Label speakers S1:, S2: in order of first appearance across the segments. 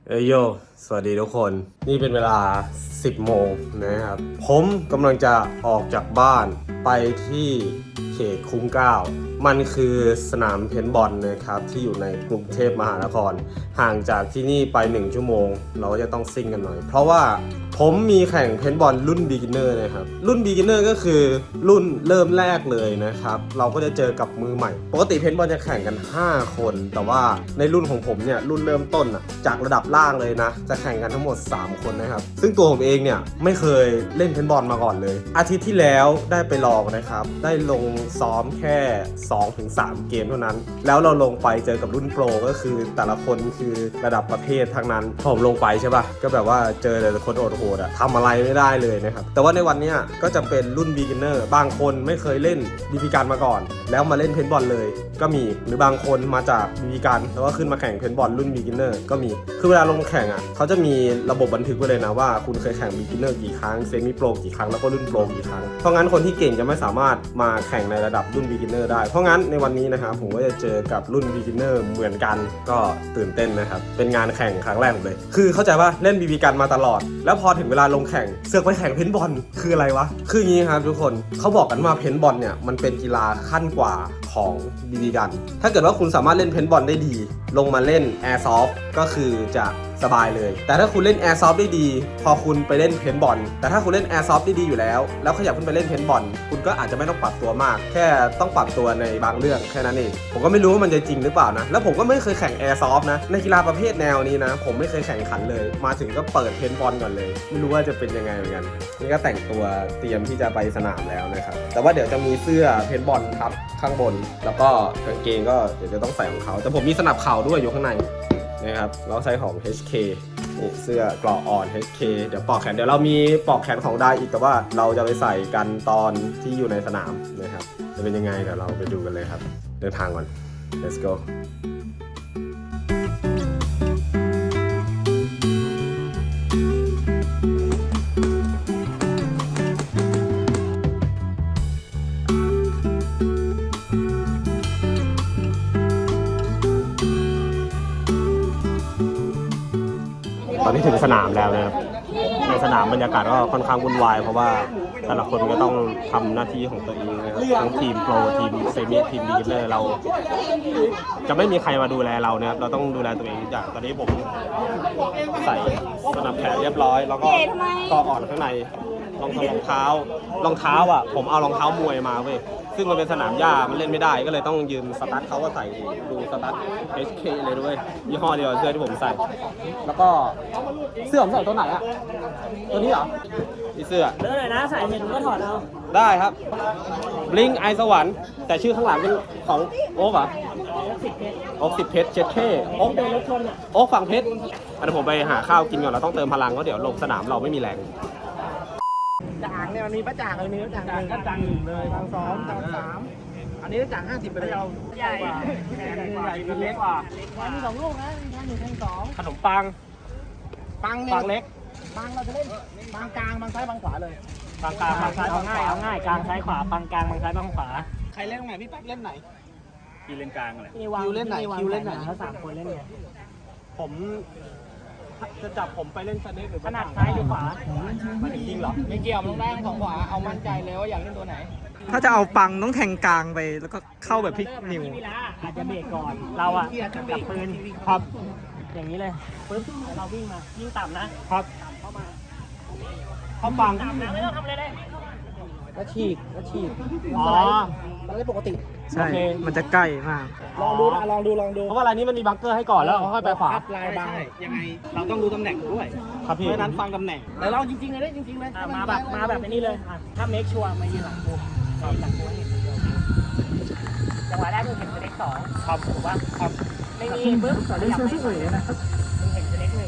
S1: เอยโยสวัสดีทุกคน นี่เป็นเวลา 10 โมงนะครับ ผมกำลังจะออกจากบ้านไปที่เขตคุ้มเกล้ามันคือสนามเพนบอลนะครับที่อยู่ในกรุงเทพมหานคร ห่างจากที่นี่ไป1ชั่วโมงเราก็จะต้องซิ่งกันหน่อย เพราะว่าผมมีแข่งเพนบอลรุ่น beginner นะครับรุ่น beginner ก็คือรุ่นเริ่มแรกเลยนะครับเราก็จะเจอกับมือใหม่ปกติเพนบอลจะแข่งกัน5คนแต่ว่าในรุ่นของผมเนี่ยรุ่นเริ่มต้นจากระดับล่างเลยนะจะแข่งกันทั้งหมด3คนนะครับซึ่งตัวผมเองเนี่ยไม่เคยเล่นเพนบอลมาก่อนเลยอาทิตย์ที่แล้วได้ไปลองนะครับได้ลงซ้อมแค่ 2-3 เกมเท่านั้นแล้วเราลงไปเจอกับรุ่นโปรก็คือแต่ละคนคือระดับประเทศทั้งนั้นพอผมลงไปใช่ป่ะก็แบบว่าเจอแต่คนโหดทำอะไรไม่ได้เลยนะครับแต่ว่าในวันนี้ก็จะเป็นรุ่น beginner บางคนไม่เคยเล่นบีบีกันมาก่อนแล้วมาเล่นเพนบอลเลยก็มีหรือบางคนมาจากบีบีกันแล้วก็ขึ้นมาแข่งเพนบอลรุ่น beginner ก็มีคือเวลาลงแข่งเขาจะมีระบบบันทึกไว้เลยนะว่าคุณเคยแข่ง beginner กี่ครั้ง semi pro กี่ครั้งแล้วก็รุ่น pro กี่ครั้งเพราะงั้นคนที่เก่งจะไม่สามารถมาแข่งในระดับรุ่น beginner ได้เพราะงั้นในวันนี้นะครับผมก็จะเจอกับรุ่น beginner เหมือนกันก็ตื่นเต้นนะครับเป็นงานแข่งครั้งแรกผมเลยคือเข้าใจว่าเล่นบีบีกันมาตลอดแล้วพอถึงเวลาลงแข่งเสือกไปแข่งเพนบอลคืออะไรวะคืออย่างนี้ครับทุกคนเขาบอกกันว่าเพนบอลเนี่ยมันเป็นกีฬาขั้นกว่าของบีบีกันถ้าเกิดว่าคุณสามารถเล่นเพนบอลได้ดีลงมาเล่นแอร์ซอฟก็คือจะสบายเลยแต่ถ้าคุณเล่นแอร์ซอฟได้ดีพอคุณไปเล่นเพนบอลแต่ถ้าคุณเล่นแอร์ซอฟได้ดีอยู่แล้วขยับขึ้นไปเล่นเพนบอลคุณก็อาจจะไม่ต้องปรับตัวมากแค่ต้องปรับตัวในบางเรื่องแค่นั้นเองผมก็ไม่รู้ว่ามันจะจริงหรือเปล่านะแล้วผมก็ไม่เคยแข่งแอร์ซอฟนะในกีฬาประเภทแนวนี้นะผมไม่เคยแข่งขันเลยมาถึงก็เปิดเพนบอลก่อนเลยไม่รู้ว่าจะเป็นยังไงเหมือนกันนี่ก็แต่งตัวเตรียมที่จะไปสนามแล้วนะครับแต่ว่าเดี๋ยวจะมีเสื้อเพนบอลทับข้างบนแล้วก็กางเกงก็เดี๋ยวจะต้องใส่ของเขาแต่ผมมีสนับเข่าด้วยอยู่ข้างในนะครับแล้วใช้ของ HK นี่เสื้อเกราะอ่อน HK เดี๋ยวปอกแขนเดี๋ยวเรามีปอกแขนของได้อีกแต่ว่าเราจะไปใส่กันตอนที่อยู่ในสนามนะครับจะเป็นยังไงเดี๋ยวเราไปดูกันเลยครับเดินทางก่อน let's goตอนนี้ถึงสนามแล้วนะครับในสนามบรรยากาศก็ค่อนข้างวุ่นวายเพราะว่าแต่ละคนก็ต้องทำหน้าที่ของตัวเองนะครับทั้งทีมโปรทีมเซมิทีมบีกินเนอร์เราจะไม่มีใครมาดูแลเรานะครับเราต้องดูแลตัวเองทุกอย่างตอนนี้ผมใส่สนับแขนเรียบร้อยแล้วก็ต่ออ่อนข้างในรองเท้ผมเอารองเท้ามวยมาเว้ยซึ่งมันเป็นสนามหญ้ามันเล่นไม่ได้ก็เลยต้องยืมสตั๊ดเขาก็ใส่ดูสตั๊ด HK เลยด้วยยี่ห้อเดียวเสื้อที่ผมใส่แล้วก็เสื้อผมใส่ตัวไหนอะตัวนี้เหรอนี่เสื้อ
S2: เลือกเลยนะสายเห็นก็ถอดเอา
S1: ได้ครับบลิงไอสวรรค์แต่ชื่อข้างหลังเป็นของโอ๊กเหรอโอ๊ก10 เพชรเจ็ดเท่โอ๊กฝั่งเพชรเดี๋ยวผมไปหาข้าวกินก่อนเราต้องเติมพลังเพราะเดี๋ยวลงสนามเราไม่มีแรง
S2: จ่างเนี่ยมันมีป้าจ่างเลยมีป้าจ่าง1ก็จ่าง1เลยจ่าง2จ่าง3อันนี้จ่าง50ไปเลยเอาใหญ่ใหญ่เล็กกว่ามี2ลูกนะมีทั้ง1ทั้ง2
S1: ขนมปังเล็ก
S2: ปังเราจะเล่นปังกลางปังซ้ายปังขวาเลย
S1: ปังกลางปังซ้ายปังขวา
S2: เอาง่ายกลางซ้ายขวาปังกลางปังซ้ายปังขวา
S3: ใครเล่นตรงไหนพี่แป๊กเล่นไหน
S1: พี่เล่นกลางอะไร
S2: คิวเล่นไหนเขา3คนเล่นไง
S1: ผมจะจับผมไปเล่นสเน็กหรือ
S2: ขนาดซ้ายหรือขวา
S1: มันจริงเหรอ
S3: ไม่เกี่ยวลงได้ของขวาเอามั่นใจเลยว่าอยากเล่นตัวไหน
S4: ถ้าจะเอาปังต้องแทงกลางไปแล้วก็เข้าแบบพลิกนิ้ว
S2: อาจจะเบรกก่อนเราอะจับปืนครับอย่างนี้เลยปึ๊บเราวิ่งมาวิ่งต่ำนะครับเข้ามา
S1: เขาปัง
S2: ต่ำนะไม่ต้องทำอะไรเลย
S3: แล้วฉีก
S2: อ๋อ
S3: เราเล่นปกติ
S4: ใช่มันจะใกล้มาก
S3: ลองดู
S1: เพราะว่าอะไรนี้มันมีบังเกอร์ให้ก่อนแล้วค่อยไปขวา
S3: ลายบางยังไงเราต้องรู้ตำแหน่งด้วย
S1: ครับพี่
S3: เพราะนั้นฟังตำแหน่งแต่เราจริงๆเลย
S2: มาแบบนี้เลยถ้าเมคชัวร์มายืนหลังกูหลังกูเห็นจังหวะแรกมึงเห็นสเต็ก2ครับถูกป่ะครับไม่มีปึ๊บเล่นเฉยๆนะครับมึงเห็นสเต็ก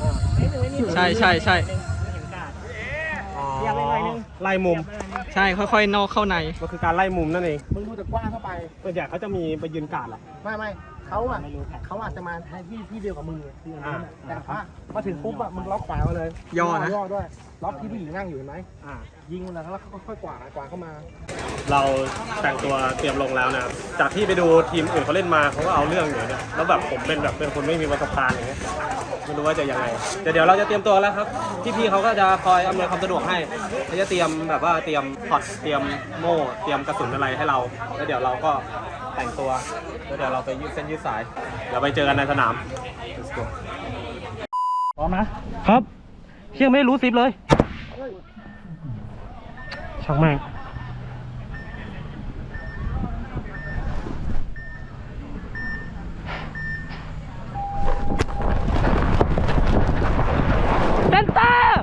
S2: 1
S4: ใช่
S2: เห็นกาดอยากเล่นหน่อยนึง
S1: ไล่มุม
S4: ใช่ค่อยๆนอกเข้าใน
S1: ก็คือการไล่มุมนั่นเอง
S3: มึงดูจากกว้างเข้าไป
S1: ส่วนใหญ่เขาจะมีไปยืนการ์ดหรอ
S3: ไม่เขาอาจจะมาที่เดียวกับมึงคืออันนั้นแต่ว่ามาถึงปุ๊บอะมึงล็อกขวามาเลย
S4: ย่อนะ
S3: ย่อด้วยล็อกที่ผู้หญิงนั่งอยู่เห็นไหมยิงมันแล้วค่อยๆกวาดเข้ามา
S1: เราแต่งตัวเตรียมลงแล้วนะครับจากที่ไปดูทีมอื่นเขาเล่นมาเขาก็เอาเรื่องอยู่เนี่ยแล้วแบบผมเป็นคนไม่มีประสบการณ์อย่างเงี้ยไม่รู้ว่าจะยังไงแต่เดี๋ยวเราจะเตรียมตัวแล้วครับพี่ๆเขาก็จะคอยอำนวยความสะดวกให้เขาจะเตรียมแบบว่าเตรียมพอตเตรียมโม่เตรียมกระสุนอะไรให้เราแล้วเดี๋ยวเราก็แต่งตัวแล้วเดี๋ยวเราไปยืดเส้นยืดสายเดี๋ยวไปเจอกันในสนาม Let's go
S2: พร้อมนะครับเชี่ยไม่รู้ซิปเลยช่างแม่งเซนเตอร์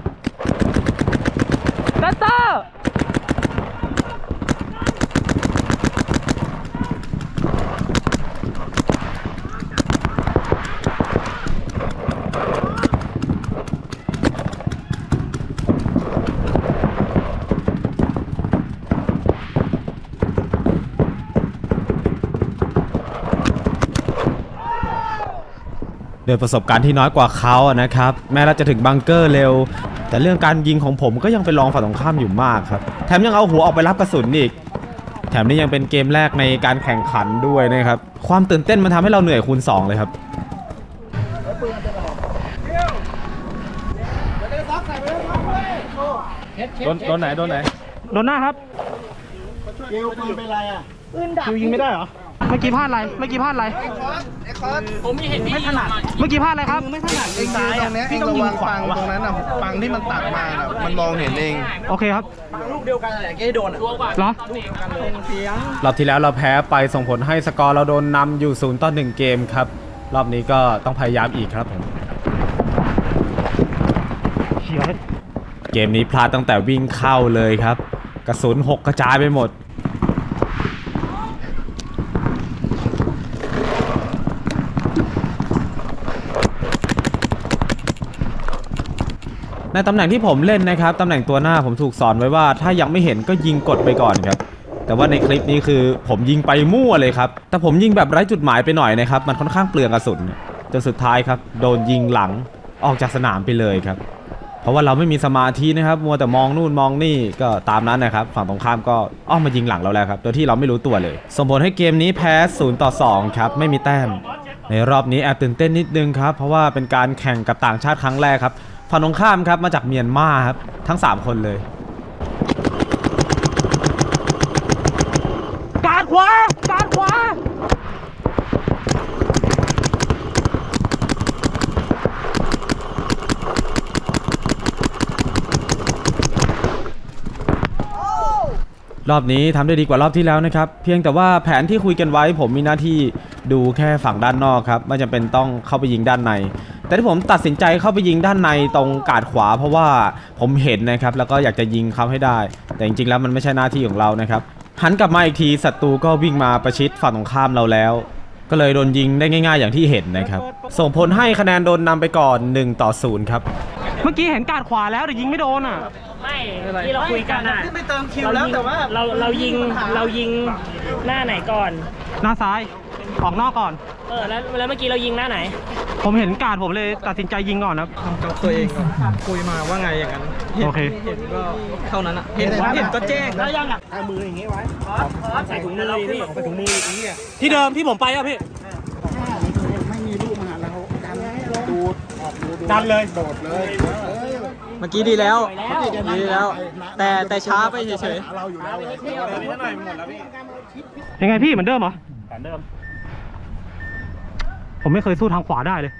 S5: โดยประสบการณ์ที่น้อยกว่าเขาอะนะครับแม้เราจะถึงบังเกอร์เร็วแต่เรื่องการยิงของผมก็ยังเป็นรองฝั่งตรงข้ามอยู่มากครับแถมยังเอาหัวออกไปรับกระสุนอีกแถมนี่ยังเป็นเกมแรกในการแข่งขันด้วยนะครับความตื่นเต้นมันทำให้เราเหนื่อยคูณ2เลยครับ
S1: โดนไหน
S2: โดนหน้าครับ
S3: เกลปืนเป็นไรอ่ะ
S2: คิวยิงไม่ได้เหรอเมื่อกี้พลาดอะไรผมไม่เห็นไม่ถนัดเมื่อกี้พลาดอะไรครับไม่ถนัด
S6: เองยืนตรงนี้เองระวังปังตรงนั้นน่ะปังที่มันตัดมาน่ะมันมองเห็นเอง
S2: โอเคครับ
S3: ลูกเดียวกันแหละแกโดนอ่ะ
S2: เหรอ
S5: รอบที่แล้วเราแพ้ไปส่งผลให้สกอร์เราโดนนำอยู่0-1เกมครับรอบนี้ก็ต้องพยายามอีกครับผมเกมนี้พลาดตั้งแต่วิ่งเข้าเลยครับกระสุน6กระจายไปหมดในตำแหน่งที่ผมเล่นนะครับตำแหน่งตัวหน้าผมถูกสอนไว้ว่าถ้ายังไม่เห็นก็ยิงกดไปก่อนครับแต่ว่าในคลิปนี้คือผมยิงไปมั่วเลยครับแต่ผมยิงแบบไร้จุดหมายไปหน่อยนะครับมันค่อนข้างเปลืองกระสุนจนสุดท้ายครับโดนยิงหลังออกจากสนามไปเลยครับเพราะว่าเราไม่มีสมาธินะครับมัวแต่มองนู่นมองนี่ก็ตามนั้นนะครับฝั่งตรงข้ามก็อ้อมมายิงหลังเราแล้วครับโดยที่เราไม่รู้ตัวเลยส่งผลให้เกมนี้แพ้0-2ครับไม่มีแต้มในรอบนี้แอบตื่นเต้นนิดนึงครับเพราะว่าเป็นการแข่งกับต่างชาติครั้งแรกครับฝั่งตรงข้ามครับมาจากเมียนมาครับทั้ง3คนเลย
S2: การขว
S5: ารอบนี้ทำได้ดีกว่ารอบที่แล้วนะครับเพียงแต่ว่าแผนที่คุยกันไว้ผมมีหน้าที่ดูแค่ฝั่งด้านนอกครับไม่จำเป็นต้องเข้าไปยิงด้านในแต่ที่ผมตัดสินใจเข้าไปยิงด้านในตรงกาดขวาเพราะว่าผมเห็นนะครับแล้วก็อยากจะยิงเขาให้ได้แต่จริงๆแล้วมันไม่ใช่หน้าที่ของเรานะครับหันกลับมาอีกทีศัตรูก็วิ่งมาประชิดฝั่งตรงข้ามเราแล้วก็เลยโดนยิงได้ง่ายๆอย่างที่เห็นนะครับส่งผลให้คะแนนโดนนำไปก่อน1-0ครับ
S2: เมื่อกี้เห็นการขวาแล้วแต่ยิงไม่โดนอ่ะไม่ที่เราคุยกันอ่ะไม่เติมคิวแล้วแต่ว่าเรายิงหน้าไหนก่อนหน้าซ้ายออกนอกก่อนแล้วเมื่อกี้เรายิงหน้าไหนผมเห็นการผมเลยตัดสินใจยิงก่อนครับ
S4: ทำกับตัวเองก่อนคุยมาว่าไงอย่างนั้น
S2: โอเค
S4: เห็นก็เท่านั้นอ่ะเห็นก็แจ้ง
S2: แล้วยังอ่ะ
S3: เอามืออย่างงี้ไว้
S2: ใส่ถุงมือพี่
S3: ใส่ถุงมืออย่างงี้
S2: ที่เดิมที่ผมไปอ่ะพี่
S3: ไม่มีลูกมาแล้วดูดออกดู
S2: ดันเลย
S3: โดดเลย
S4: เมื่อกี้ดีแล้วแต่ช้าไปเฉย
S3: เราอยู่แล้ว
S2: ยังไงพี่เหมือนเดิมเหรอเหมือนเดิมผมไม่เคยสู้ทางขวาได้เลย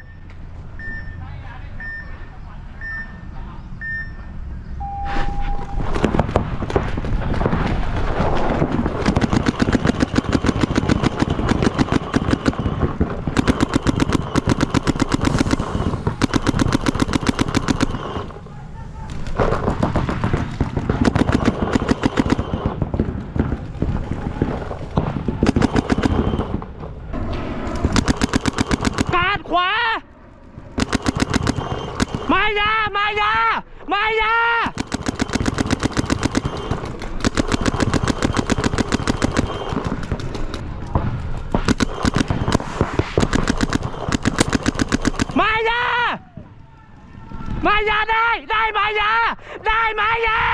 S2: ขวามายามายาได้มายาได้มายา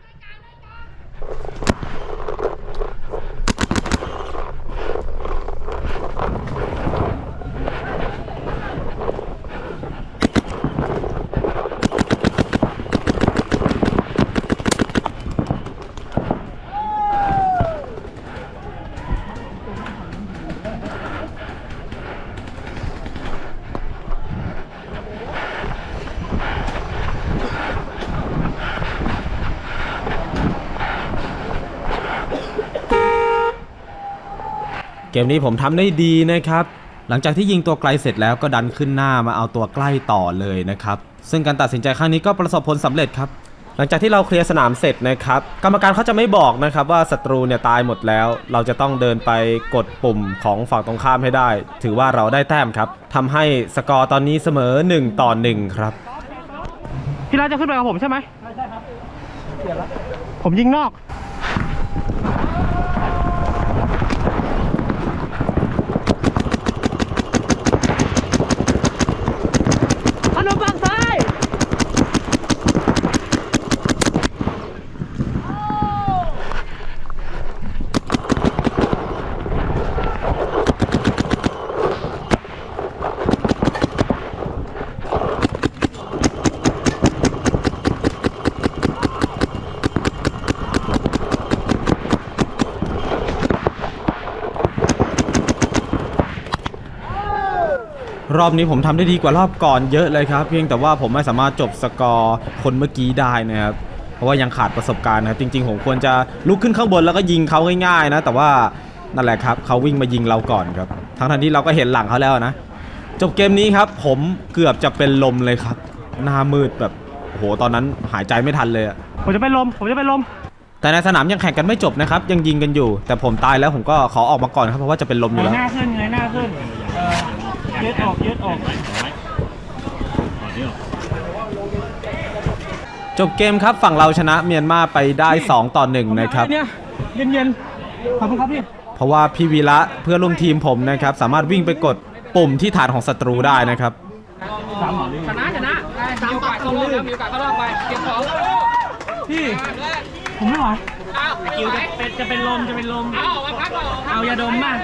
S5: เกมนี้ผมทำได้ดีนะครับหลังจากที่ยิงตัวไกลเสร็จแล้วก็ดันขึ้นหน้ามาเอาตัวใกล้ต่อเลยนะครับซึ่งการตัดสินใจครั้งนี้ก็ประสบผลสำเร็จครับหลังจากที่เราเคลียร์สนามเสร็จนะครับกรรมการเขาจะไม่บอกนะครับว่าศัตรูเนี่ยตายหมดแล้วเราจะต้องเดินไปกดปุ่มของฝั่งตรงข้ามให้ได้ถือว่าเราได้แต้มครับทำให้สกอร์ตอนนี้เสมอ1-1ครับ
S2: พี่รัฐจะขึ้นไปกับผมใช่ไหมผมยิงนอกขนมปังซ้าย
S5: รอบนี้ผมทำได้ดีกว่ารอบก่อนเยอะเลยครับเพียงแต่ว่าผมไม่สามารถจบสกอร์คนเมื่อกี้ได้นะครับเพราะว่ายังขาดประสบการณ์นะครับจริงๆผมควรจะลุกขึ้นข้างบนแล้วก็ยิงเขาง่ายๆนะแต่ว่านั่นแหละครับเขาวิ่งมายิงเราก่อนครับทั้งที่เราก็เห็นหลังเขาแล้วนะจบเกมนี้ครับผมเกือบจะเป็นลมเลยครับหน้ามืดแบบโอ้โหตอนนั้นหายใจไม่ทันเลย
S2: ผมจะเป็นลม
S5: แต่ในสนามยังแข่งกันไม่จบนะครับยังยิงกันอยู่แต่ผมตายแล้วผมก็ขอออกมาก่อนครับเพราะว่าจะเป็นลมอยู่แล้ว
S2: หน้าขึ้นยืดออก
S5: จบเกมครับฝั่งเราชนะเมียนมาไปได้2-1นะครับ
S2: เนี่ยเย็นขอบคุณครับพี่
S5: เพราะว่าพี่วีระเพื่อนร่วมทีมผมนะครับสามารถวิ่งไปกดปุ่มที่ฐานของศัตรูได้นะครับ
S2: ชนะมีโอกาสเข้ารอบแล้วมีโอกาสเข้ารอบไปเก็บของพี่ผมไม่ไหวคิวจะเป็นลมเอายาดมมา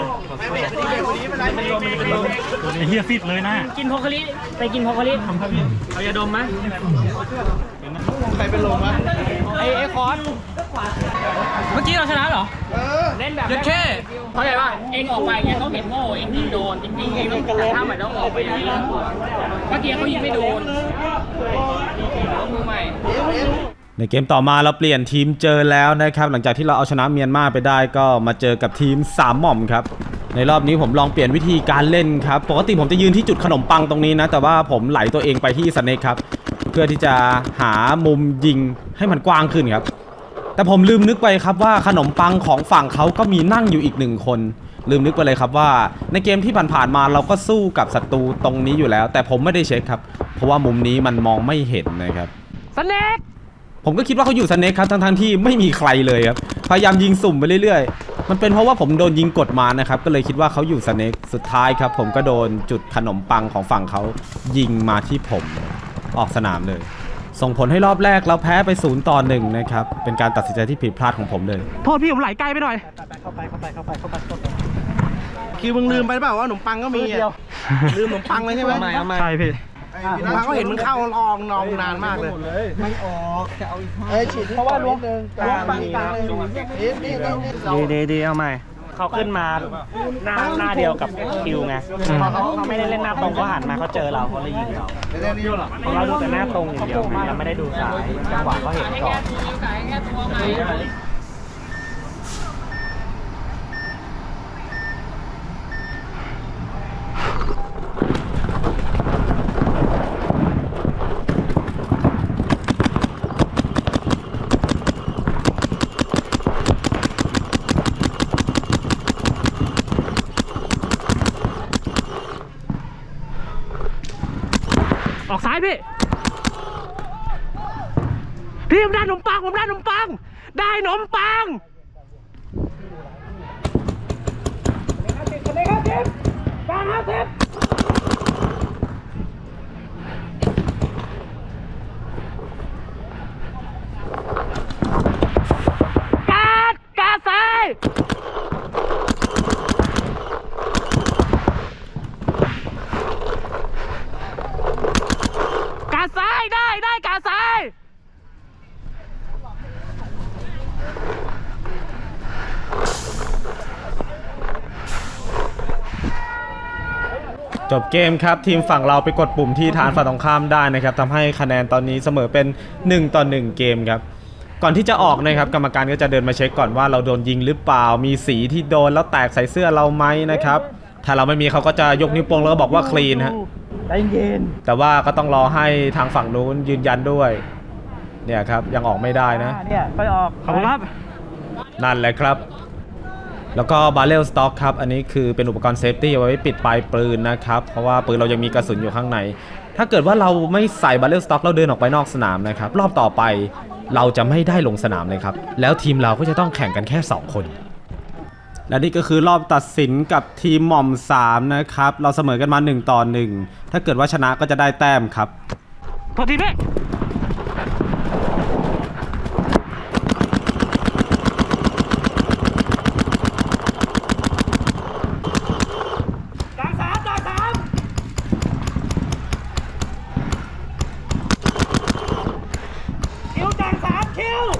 S2: เป็นลมไอ้เหี้ยฟิตเลยนะกินโพคาริไปกินโพคาริทำครับพี่เอายาดมมา
S6: ใครเป็นลมวะ
S2: ไอ้คอนเมื่อกี้เราชนะเหรอเล่นแบบแค่เข้าใจป่ะเองออกไปเนี่ยเขาเห็นโง่เองยิงโดนจริงๆเองต้องกระทำใหม่ต้องออกไปอย่างนี้เมื่อกี้เขายิงไม่โดนมือใหม่
S5: ในเกมต่อมาเราเปลี่ยนทีมเจอแล้วนะครับหลังจากที่เราเอาชนะเมียนมาไปได้ก็มาเจอกับทีม3หม่อมครับในรอบนี้ผมลองเปลี่ยนวิธีการเล่นครับปกติผมจะยืนที่จุดขนมปังตรงนี้นะแต่ว่าผมไหลตัวเองไปที่สเนคครับเพื่อที่จะหามุมยิงให้มันกว้างขึ้นครับแต่ผมลืมนึกไปครับว่าขนมปังของฝั่งเขาก็มีนั่งอยู่อีก1คนลืมนึกไปเลยครับว่าในเกมที่ผ่านๆมาเราก็สู้กับศัตรูตรงนี้อยู่แล้วแต่ผมไม่ได้เช็คครับเพราะว่ามุมนี้มันมองไม่เห็นนะครับ
S2: สเนค
S5: ผมก็คิดว่าเขาอยู่สเนคครับทั้งที่ไม่มีใครเลยครับพยายามยิงสุ่มไปเรื่อยๆมันเป็นเพราะว่าผมโดนยิงกดมานะครับก็เลยคิดว่าเขาอยู่สเนคสุดท้ายครับผมก็โดนจุดขนมปังของฝั่งเขายิงมาที่ผมออกสนามเลยส่งผลให้รอบแรกเราแพ้ไป0-1นะครับเป็นการตัดสินใจที่ผิดพลาดของผมเลย
S2: โทษพี่ผมไหลไกลไปหน่อย
S3: เข้าไป
S6: คิวมึงลืมไปเปล่าว่าขนมปังก็มีลืมขนมปังเลยใช่ไหม
S2: ใช่พี่
S6: ขนมปังก็เห็นมึงเข้าลองนองนานมากเลย
S3: ไม่ออกจะเอาอีกฉีดเพราะว่าล้วงปัง
S2: ดีเอาใหม่เขาขึ้นมาหน้าเดียวกับคิวไงเขาไม่ได้เล่นหน้าตรงเขาหันมาเขาเจอเราเขาเลยยิงเราดูแต่หน้าตรงอย่างเดียวเราไม่ได้ดูซ้ายจังหวะเขาเห็นก่อนออกซ้ายพี่ผมได้ขนมปังได้ขนมปัง
S5: จบเกมครับทีมฝั่งเราไปกดปุ่มที่ฐานฝั่งตรงข้ามได้นะครับทำให้คะแนนตอนนี้เสมอเป็น1-1เกมครับก่อนที่จะออกนะครับกรรมการก็จะเดินมาเช็คก่อนว่าเราโดนยิงหรือเปล่ามีสีที่โดนแล้วแตกใส่เสื้อเราไหมนะครับถ้าเราไม่มีเขาก็จะยกนิ้วโป้งแล้วก็บอกว่าคลีนฮะ
S2: ใจเย็น
S5: แต่ว่าก็ต้องรอให้ทางฝั่งนู้นยืนยันด้วยเนี่ยครับยังออกไม่ได้นะ
S2: เนี่ยไปออกขอบคุณครับ
S5: นั่นแหละครับแล้วก็บาเรลสต็อกครับอันนี้คือเป็นอุปกรณ์เซฟตี้เอาไว้ปิดปลายปืนนะครับเพราะว่าปืนเรายังมีกระสุนอยู่ข้างในถ้าเกิดว่าเราไม่ใส่บาเรลสต็อกเราเดินออกไปนอกสนามนะครับรอบต่อไปเราจะไม่ได้ลงสนามเลยครับแล้วทีมเราก็จะต้องแข่งกันแค่2คนและนี่ก็คือรอบตัดสินกับทีมหม่อม3นะครับเราเสมอกันมา1-1ถ้าเกิดว่าชนะก็จะได้แต้มครับ
S2: โทษทีพี่จ่ายสามคิวจ่าย3คิว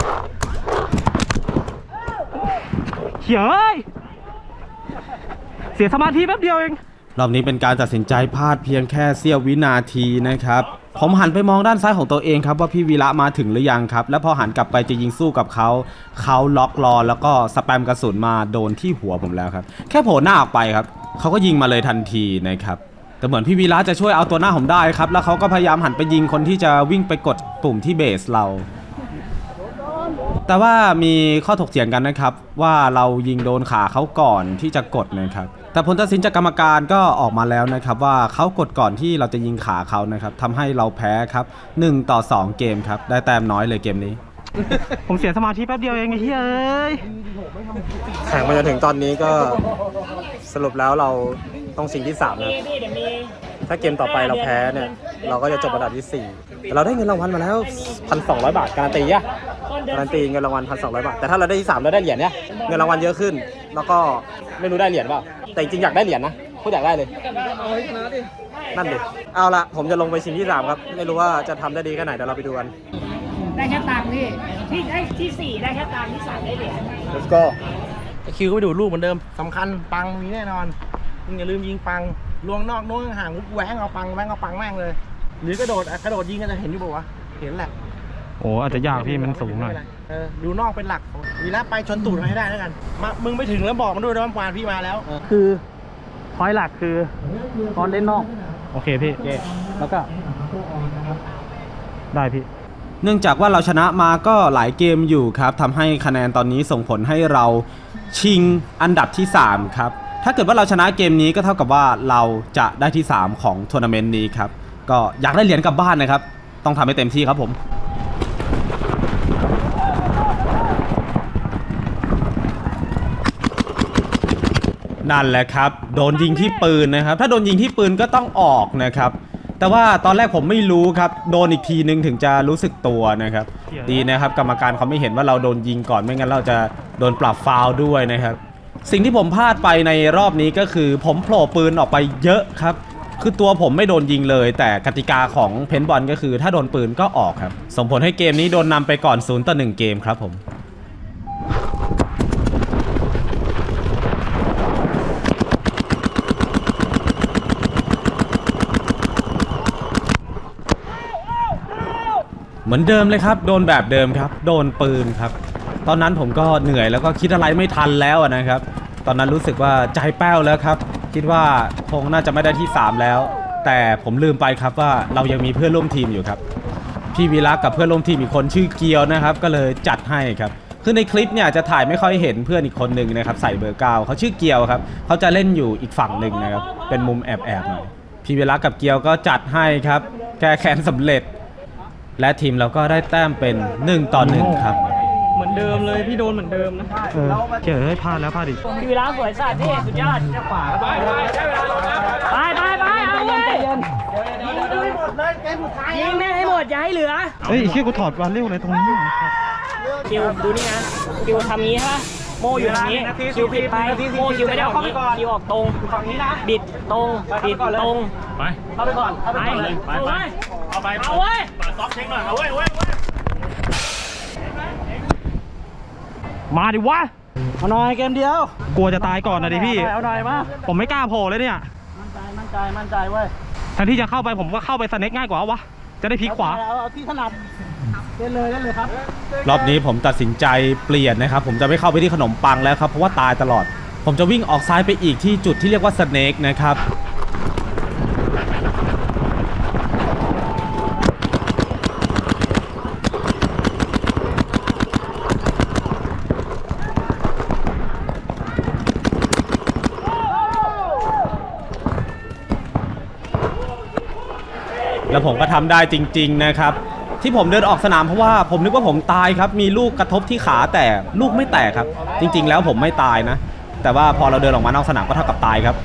S2: เฮ้ยเสียสมาธิแป๊บเดียวเอง
S5: รอบนี้เป็นการตัดสินใจพลาดเพียงแค่เสี้ยววินาทีนะครับผมหันไปมองด้านซ้ายของตัวเองครับว่าพี่วีระมาถึงหรือยังครับแล้วพอหันกลับไปจะยิงสู้กับเขาล็อกรอแล้วก็สแปมกระสุนมาโดนที่หัวผมแล้วครับแค่โผล่หน้าออกไปครับเขาก็ยิงมาเลยทันทีนะครับแต่เหมือนพี่วีระจะช่วยเอาตัวหน้าผมได้ครับแล้วเขาก็พยายามหันไปยิงคนที่จะวิ่งไปกดปุ่มที่เบสเราแต่ว่ามีข้อถกเถียงกันนะครับว่าเรายิงโดนขาเขาก่อนที่จะกดนะครับแต่ผลตัดสินจากกรรมการก็ออกมาแล้วนะครับว่าเขากดก่อนที่เราจะยิงขาเขานะครับทำให้เราแพ้ครับ1-2เกมครับได้แต้มน้อยเลยเกมนี้
S2: ผมเสียสมาธิแป๊บเดียวเองไอ้เฮ้ย
S1: แข่งมาจนถึงตอนนี้ก็สรุปแล้วเราต้องชิงที่3นะครับถ้าเกมต่อไปเราแพ้เนี่ยเราก็จะจบอันดับที่4แต่เราได้เงินรางวัลมาแล้ว 1,200 บาทการันตีอะการันตีเงินรางวัล 1,200 บาทแต่ถ้าเราได้ที่3เราได้เหรียญเนี่ยเงินรางวัลเยอะขึ้นแล้วก็ไม่รู้ได้เหรียญเปล่าแต่จริงๆอยากได้เหรียญนะพูดอยากได้เลยนั่นดิเอาละผมจะลงไปชิงที่3ครับไม่รู้ว่าจะทำได้ดีแค่ไหนเดี๋ยวเราไปดูกัน
S2: ได้แค่ตังค์พี่ที่4ได้แค่ตังค์ที่3ได้เหรียญ
S1: let's go
S3: คิวก็ไปดูลูกเหมือนเดิมสำคัญปังมีแน่นอนมึงอย่าลืมยิงปังลวงนอกนู้นห่างแหวงเอาปังแม่งเลย หรือกระโดดยิงก็จะเห็นอยู่ป่าวะเห็นแหละ
S4: โอ้อาจจะยากพี่มันสูงหน่อย
S3: ดูนอกเป็นหลักวีระไปชนตูดมาให้ได้แล้วกันมามึงไปถึงแล้วบอกมันด้วยนะว่าปานพี่มาแล้ว
S2: คือพอยต์หลักคือตอนเล่นนอก
S4: โอเคพี่
S2: แล้วก็
S4: ได้พี่
S5: เนื่องจากว่าเราชนะมาก็หลายเกมอยู่ครับทำให้คะแนนตอนนี้ส่งผลให้เราชิงอันดับที่3ครับถ้าเกิดว่าเราชนะเกมนี้ก็เท่ากับว่าเราจะได้ที่3ของทัวร์นาเมนต์นี้ครับก็อยากได้เหรียญกลับบ้านนะครับต้องทำให้เต็มที่ครับผมนั่นแหละครับโดนยิงที่ปืนนะครับถ้าโดนยิงที่ปืนก็ต้องออกนะครับแต่ว่าตอนแรกผมไม่รู้ครับโดนอีกทีนึงถึงจะรู้สึกตัวนะครับดีนะครับกรรมการเขาไม่เห็นว่าเราโดนยิงก่อนไม่งั้นเราจะโดนปรับฟาวล์ด้วยนะครับสิ่งที่ผมพลาดไปในรอบนี้ก็คือผมโผล่ปืนออกไปเยอะครับคือตัวผมไม่โดนยิงเลยแต่กติกาของเพนบอลก็คือถ้าโดนปืนก็ออกครับส่งผลให้เกมนี้โดนนำไปก่อน0-1เกมครับผมเหมือนเดิมเลยครับโดนแบบเดิมครับโดนปืนครับตอนนั้นผมก็เหนื่อยแล้วก็คิดอะไรไม่ทันแล้วนะครับตอนนั้นรู้สึกว่าใจแป้วแล้วครับคิดว่าคงน่าจะไม่ได้ที่3แล้วแต่ผมลืมไปครับว่าเรายังมีเพื่อนร่วมทีมอยู่ครับพี่วีระกับเพื่อนร่วมทีมอีกคนชื่อเกียวนะครับก็เลยจัดให้ครับคือในคลิปเนี่ยจะถ่ายไม่ค่อยเห็นเพื่อนอีกคนหนึ่งนะครับใส่เบอร์9เขาชื่อเกียวครับเขาจะเล่นอยู่อีกฝั่งหนึ่งนะครับเป็นมุมแอบๆหน่อยพี่วีระกับเกียวก็จัดให้ครับแก้แค้นสำเร็จและทีมเราก็ได้แต้มเป็น1-1ครับ
S2: เหมือนเดิมเลยพี่โดนเหมือนเดิมนะ
S4: เจอให้พลาดแล้วพลาดอีก
S2: พี่วิลาสวยสัตว์พี่สุดยอดจะขวาไปเอาเลยยิงแม่งให้หมดอย่าให้เหลือ
S4: เฮ้ยเชี่ยกูถอดวาเร็วอะไรตรงนี้
S2: คิวดูนี่นะคิวทำงี้ใช่ปะโมอยู่ตรงนี้คิวผิดไปโมคิวไม่ได้ออกนี้คิวออกตรงบิดตรงไปเข้าไปก่อนไปเอาเว้ยซ้อมเช็คหน่อยเอาเว้ย
S4: มาดิวะ
S2: เอาหน่อยเกมเดียว
S4: กลัวจะตายก่อนนะดิพี่
S2: เอาหน่อยมา
S4: ผมไม่กล้าโผล่เลยเนี่ย
S2: มั่นใจ
S3: มั่นใจเว้ย
S2: แทนที่จะเข้าไปผมก็เข้าไปสเน็กง่ายกว่าวะจะได้พลิกขวา
S3: เอาที่ถนัดเล่นเลยครับ
S5: รอบนี้ผมตัดสินใจเปลี่ยนนะครับ ผมจะไม่เข้าไปที่ขนมปังแล้วครับ เพราะว่าตายตลอด ผมจะวิ่งออกซ้ายไปอีกที่จุดที่เรียกว่าสเนกนะครับ แล้วผมก็ทำได้จริงๆนะครับ ที่ผมเดินออกสนามเพราะว่าผมนึกว่าผมตายครับ มีลูกกระทบที่ขาแต่ลูกไม่แตกครับ จริงๆแล้วผมไม่ตายนะ แต่ว่าพอเราเดินออกมานอกสนามก็เท่ากับตายครับ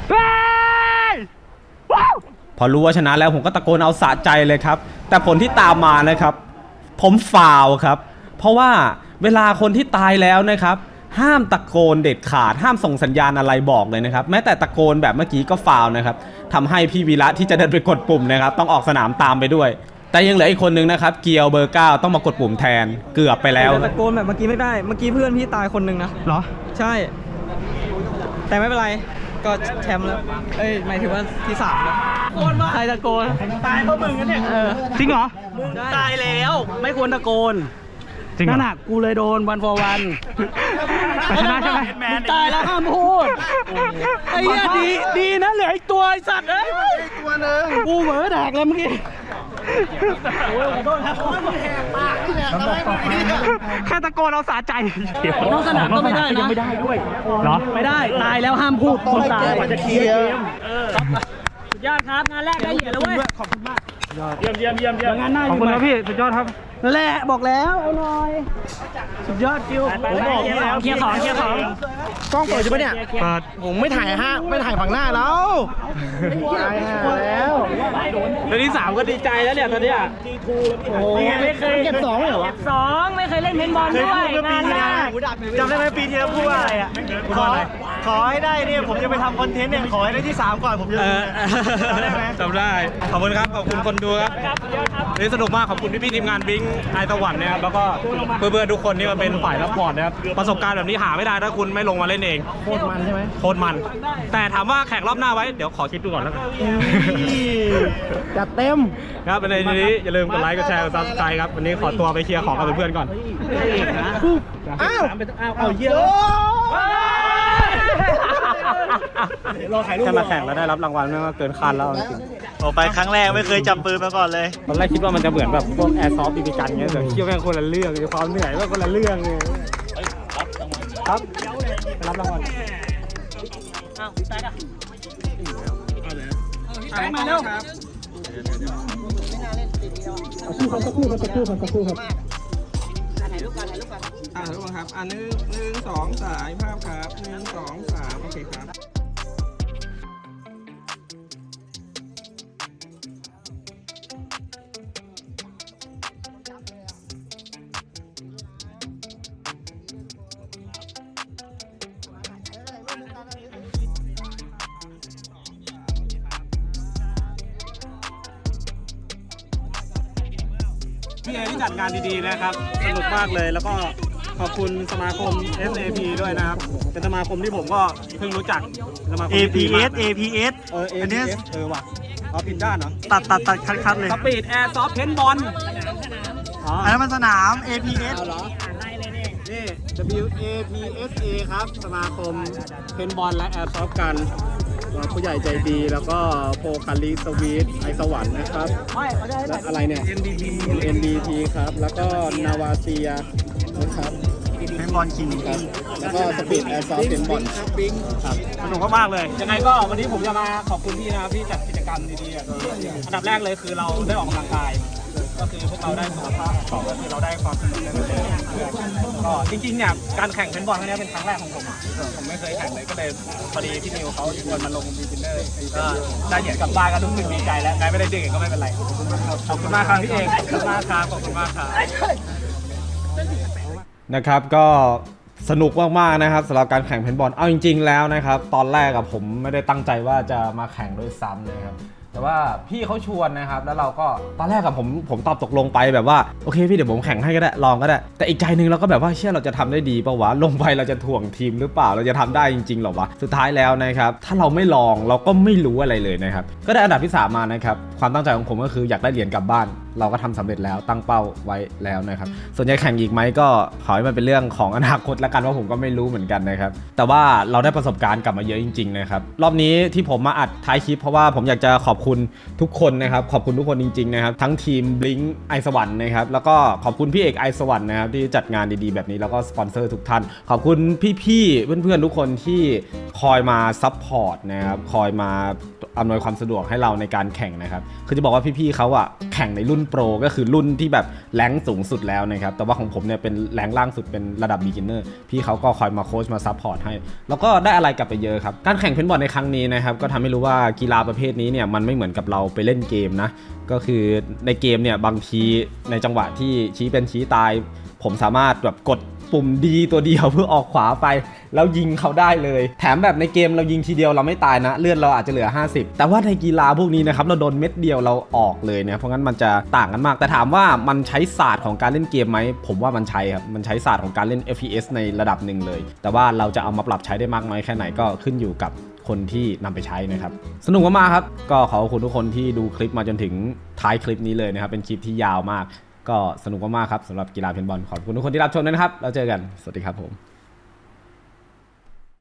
S5: พอรู้ว่าชนะแล้วผมก็ตะโกนเอาสะใจเลยครับ แต่ผลที่ตามมานะครับ ผมฟาวครับ เพราะว่าเวลาคนที่ตายแล้วนะครับ ห้ามตะโกนเด็ดขาด ห้ามส่งสัญญาณอะไรบอกเลยนะครับ แม้แต่ตะโกนแบบเมื่อกี้ก็ฟาวนะครับทำให้พี่วีระที่จะเดินไปกดปุ่มนะครับต้องออกสนามตามไปด้วย แต่ยังเหลืออีกคนนึงนะครับเกียวเบอร์ 9ต้องมากดปุ่มแทนเกือบไปแล้ว
S4: ตะโกนแบบเมื่อกี้ไม่ได้ เมื่อกี้เพื่อนพี่ตายคนหนึ่งนะ
S2: เหรอ
S4: ใช่ แต่ไม่เป็นไร ก็แชมป์แล้ว เอ้ย หมายถึงว่าที่3แล้วใครตะโกน
S3: ตายเพราะมึงกันเนี่ย
S2: จริงเหรอ
S3: ตายแล้วไม่ควรตะโกน
S2: จริงเหรอ
S3: นั่นน่ะกูเลยโดนวันฟอร์วัน
S2: แต่ชนะใช่ไหม
S3: มึงตายแล้วห้ามพูดไอ้เหี้ยดีนะเหลืออีกตัวไอ้สัตว์เอ้ยตัวนึงกูเหมือแดกเลยเมื่อกี้โอ้ยขอโทษครับแหกปากนี่แหละทำให้มึงดีอะ
S2: แค่ตะโกนเอาสะใจ
S3: นอกสนามก็ไม่ได้นะ
S2: ยังไม่ได้ด้วยเหรอ
S3: ไม่ได้ตายแล้วห้ามพูดคนตาย
S6: จะเคลียร์
S2: สุดยอดครับงานแรกได้เหรียญแล้วเว้ยขอบคุณมากเยี่ยม
S3: งานหน้า
S2: ขอบคุณครับพี่สุดยอดครับ
S3: นั่นแหละบอกแล้วเอาหน่อยสุดยอดคิวผมบอกแล้ว
S2: เคลียร์ของ
S3: กล้องเปิดใช่ไหมเนี่ย
S2: เปิด
S3: ผมไม่ถ่ายไม่ถ่ายฝั่งหน้าแล้วตายห่าแล้ว
S2: เดือนที่3ก็ดีใจแล้วเนี่ยตอนเนี้ย
S3: โอ้ยไม่เคยเก็บ2ไม่เหรอวะ
S2: 2ไม่เคยเล่นเพนบอลด้วยงานแรก
S3: จำได้ไหมปีที่แล้วพูดว่าอะไรอ่ะขอให้ได้เนี่ยผมจะไปทำคอนเทนต์เนี่ยขอให้ได้ที่3ก่อนผมจะจำได้ไหม
S5: จำได้ ขอบคุณครับ ขอบคุณคนดูครับนี่สนุกมาก ขอบคุณพี่ทีมงานบิงไอตะวันนะครับ แล้วก็เพื่อนๆทุกคนที่มาเป็นฝ่ายรับพอร์ตนะครับ ประสบการณ์แบบนี้หาไม่ได้ถ้าคุณไม่ลงมาเล่นเอง
S3: โคตรมันใช่ไหม
S5: โคตรมัน แต่ถามว่าแข่งรอบหน้าไว้ เดี๋ยวขอคิดดูก่อนแล้วกัน
S3: จัดเต็ม
S5: ครับในนี้อย่าลืมกดไลค์ กดแชร์ กดซับสไครต์ครับ วันนี้ขอตัวไปเคลียร์ของกับเพื่อนๆก่อน
S3: อ้าวเอาเยอะ
S5: แค่มาแข่งแล้วได้รับรางวัลนี่ก็เกินคาดแล้วจริง
S4: ออกไปครั้งแรกไม่เคยจับปืนมาก่อนเลย
S5: ตอนแรกคิดว่ามันจะเหมือนแบบพวกแอร์ซอฟต์บีบีกันเงี้ยแต่เที่ยวแม่งคนละเรื่องความเหนื่อยแม่งคนละเรื่องเลยครับไปรับรางวัล
S2: มาเร็ว
S3: สักครู่ครับ
S7: ทุกคนครับ1 2 สายภาพครับ1 2 3โอเคครับ
S5: พี่เอที่จัดงานดีๆนะครับสนุกมากเลยแล้วก็ขอบคุณสมาคม SAP ด้วยนะครับเป็นสมาคมที่ผมก็เพิ่งรู้จักสมาคม
S4: APS
S5: อันนี้ว่ะเอาผิดด้านเหรอ
S4: ตัดคัดเลย
S5: สปีดแอร์ซอฟเพนบอลอ๋อ
S4: อันนั้นมันสนาม APS
S5: เหรอนี่ WAPSA ครับสมาคมเพนบอลและแอร์ซอฟกันผู้ใหญ่ใจดีแล้วก็โปรคาลิสวีทไอสวรรค์นะครับและอะไรเนี่ย NDT ครับแล้วก็นาวาเซียนะครับ
S4: เป็นบอลคิง
S5: ครับแล้วก็สปีดแอร์ซอฟเป็นบอลครับสนุกมากๆเลยยังไงก็วันนี้ผมจะมาขอบคุณพี่นะครับที่จัดกิจกรรมดีๆอันดับแรกเลยคือเราได้ออกกำลังกายก็คือพวกเราได้สุขภาพ2ก็คือเราได้ความสนุกในเรื่องก็จริงๆเนี่ยการแข่งเพนบอลครั้งนี้เป็นครั้งแรกของผมผมไม่เคยแข่งเลยก็เลยพอดีพี่นิวเขาชวนมาลงบีกินเนอร์ก็ได้เหรียญกลับบ้านก็รู้สึกดีใจแล้วใครไม่ได้เหรียญก็ไม่เป็นไรขอบคุณมากครับพี่เอกขอบคุณมากครับขอบคุณมากครับนะครับก็สนุกมากๆนะครับสำหรับการแข่งเพนบอลเอาจริงๆแล้วนะครับตอนแรกผมไม่ได้ตั้งใจว่าจะมาแข่งด้วยซ้ำนะครับแต่ว่าพี่เขาชวนนะครับแล้วเราก็ตอนแรกกับผมตอบตกลงไปแบบว่าโอเคพี่เดี๋ยวผมแข่งให้ก็ได้ลองก็ได้แต่อีกใจนึงเราก็แบบว่าเชื่อเราจะทำได้ดีป่าวะลงไปเราจะถ่วงทีมหรือเปล่าเราจะทำได้จริงๆหรอวะสุดท้ายแล้วนะครับถ้าเราไม่ลองเราก็ไม่รู้อะไรเลยนะครับก็ได้อันดับที่3มานะครับความตั้งใจของผมก็คืออยากได้เหรียญกลับบ้านเราก็ทำสำเร็จแล้วตั้งเป้าไว้แล้วนะครับส่วนใหญ่แข่งอีกไหมก็ขอให้มันเป็นเรื่องของอนาคตแล้วกันว่าผมก็ไม่รู้เหมือนกันนะครับแต่ว่าเราได้ประสบการณ์กลับมาเยอะจริงๆนะครับรอบนี้ที่ผมมาอัดท้ายคลิปเพราะว่าผมอยากจะขอบคุณทุกคนนะครับขอบคุณทุกคนจริงๆนะครับทั้งทีม Blink ไอสวรรค์นะครับแล้วก็ขอบคุณพี่เอกไอสวรรค์นะครับที่จัดงานดีๆแบบนี้แล้วก็สปอนเซอร์ทุกท่านขอบคุณพี่ๆเพื่อนๆทุกคนที่คอยมาซัพพอร์ตนะครับคอยมาอำนวยความสะดวกให้เราในการแข่งนะครับคือจะบอกว่าพี่ๆเขาอะแข่งในรุ่นโปรก็คือรุ่นที่แบบแรงสูงสุดแล้วนะครับแต่ว่าของผมเนี่ยเป็นแรงล่างสุดเป็นระดับ beginner พี่เขาก็คอยมาโค้ชมาซัพพอร์ตให้แล้วก็ได้อะไรกลับไปเยอะครับการแข่งเพนบอลในครั้งนี้นะครับก็ทำให้รู้ว่ากีฬาประเภทนี้เนี่ยมันไม่เหมือนกับเราไปเล่นเกมนะก็คือในเกมเนี่ยบางทีในจังหวะที่ชี้เป็นชี้ตายผมสามารถแบบกดปุ่มดีตัวเดียวเพื่อออกขวาไปแล้วยิงเขาได้เลยแถมแบบในเกมเรายิงทีเดียวเราไม่ตายนะเลือดเราอาจจะเหลือ50แต่ว่าในกีฬาพวกนี้นะครับเราโดนเม็ดเดียวเราออกเลยนะเพราะงั้นมันจะต่างกันมากแต่ถามว่ามันใช้ศาสตร์ของการเล่นเกมไหมผมว่ามันใช้ครับมันใช้ศาสตร์ของการเล่น FPS ในระดับหนึ่งเลยแต่ว่าเราจะเอามาปรับใช้ได้มากน้อยแค่ไหนก็ขึ้นอยู่กับคนที่นำไปใช้นะครับสนุกมากๆครับก็ขอบคุณทุกคนที่ดูคลิปมาจนถึงท้ายคลิปนี้เลยนะครับเป็นคลิปที่ยาวมากก็สนุกมากๆครับสำหรับกีฬาเพนบอลขอบคุณทุกคนที่รับชมด้วยนะครับแล้วเจอกันสวัสดีครับผม